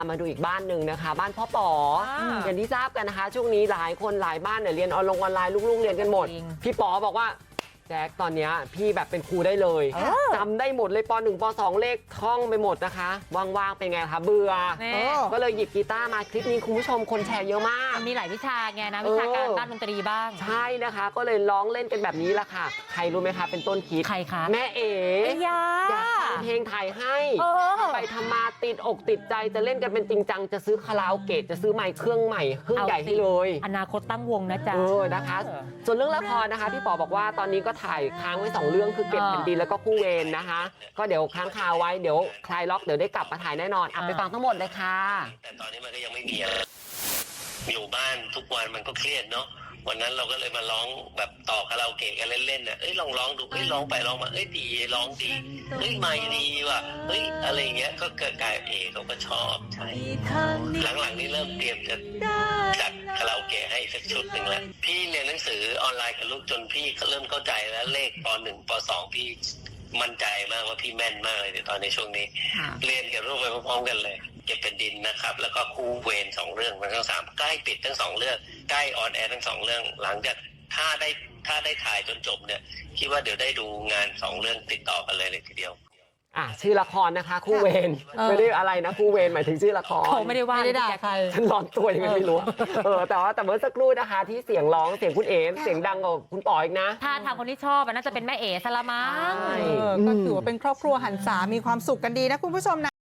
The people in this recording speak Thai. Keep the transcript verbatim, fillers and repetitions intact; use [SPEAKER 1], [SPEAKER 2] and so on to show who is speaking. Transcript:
[SPEAKER 1] มาดูอีกบ้านหนึ่งนะคะบ้านพ่อป๋ออย่างที่ทราบกันนะคะช่วงนี้หลายคนหลายบ้านเนี่ยเรียนออนไลน์ลูกๆเรียนกันหมดพี่ป๋อบอกว่าแจ็คตอนนี้พี่แบบเป็นครูได้เลยจำได้หมดเลยปหนึ่งปสองเลขท่องไปหมดนะคะว่างๆเป็นไงคะเบื่อก็เลยหยิบกีตาร์มาคลิปนี้คุณผู้ชมคนแชร์เยอะมาก
[SPEAKER 2] มีหลายวิชาไงนะวิชาการด้านดนตรีบ้าง
[SPEAKER 1] ใช่นะคะก็เลยร้องเล่นกันแบบนี้ละค่ะใครรู้ไหมคะเป็นต้นคิด
[SPEAKER 2] ใครคะ
[SPEAKER 1] แม่เอ๋อยากทำเพลงไทยให้ไปทำมาติดอกติดใจจะเล่นกันเป็นจริงจังจะซื้อคาราโอเกะจะซื้อไมค์เครื่องใหม่เครื่องใหญ่ให้เลย
[SPEAKER 2] อนาคตตั้งวงนะจ๊ะ
[SPEAKER 1] เออนะคะส่วนเรื่องละครนะคะพี่ป๋อบอกว่าตอนนี้ก็ถ่ายค้างไว้สองเรื่องคือเก็บแผ่นดินแล้วก็คู่เวรนะคะก็เดี๋ยวค้างคาไว้เดี๋ยวคลายล็อกเดี๋ยวได้กลับมาถ่ายแน่นอนอ่ะไปฟังทั้งหมดเลยค่ะ
[SPEAKER 3] แต่ตอนนี้มันก็ยังไม่มีอะไรอยู่บ้านทุกวันมันก็เครียดเนาะวันนั้นเราก็เลยมาร้องแบบต่อคาราโอเกะกันเล่นๆน่ะเอ้ยลองร้องดูเอ้ยร้องไปร้องมาเอ้ยดีร้องดีเฮ้ยไม่ดีว่ะเฮ้ยอะไรเงี้ยก็เกิดกลายเอเขาก็ชอบใช่หลังๆนี้เริ่มเตรียมจะจัดคาราโอเกะให้สักชุดหนึ่งแล้วพี่เรียนหนังสือออนไลน์กับลูกจนพี่เริ่มเข้าใจแล้วเลขปหนึ่งปสองพี่มั่นใจมากว่าพี่แม่นมากเลยในตอนในช่วงนี้เรียนกับลูกไปพร้อมๆกันเลยเก็บเป็นดินนะครับแล้วก็คู่เวรสองเรื่องมันทั้งสามใกล้ปิดทั้งสองเรื่องใกล้ออนแอร์ทั้งสองเรื่องหลังจากถ้าได้ถ้าได้ถ่ายจนจบเนี่ยคิดว่าเดี๋ยวได้ดูงานสองเรื่องติดต่อกันเลยเลยทีเดียว
[SPEAKER 1] อ่ะชื่อละครนะคะคู่เวรไม่ได้อะไรนะคู่เวรหมายถึงชื่อละคร
[SPEAKER 2] เขาไม่ได้ว่า
[SPEAKER 1] ไม่ได้ด่าใครฉันร้อนตัวยังไงไม่รู้เออแต่ว่าแต่เมื่อสักครู่นะคะที่เสียงร้องเสียงคุณเอ๋เสียงดังกว่าคุณป๋ออีกนะ
[SPEAKER 2] ถ้าทางคนที่ชอบน่าจะเป็นแม่เอ๋สละมั้ง
[SPEAKER 4] ก็ถือว่าเป็นครอบครัวหันษามีความสุขกันดีนะคุณผู้ชมนะ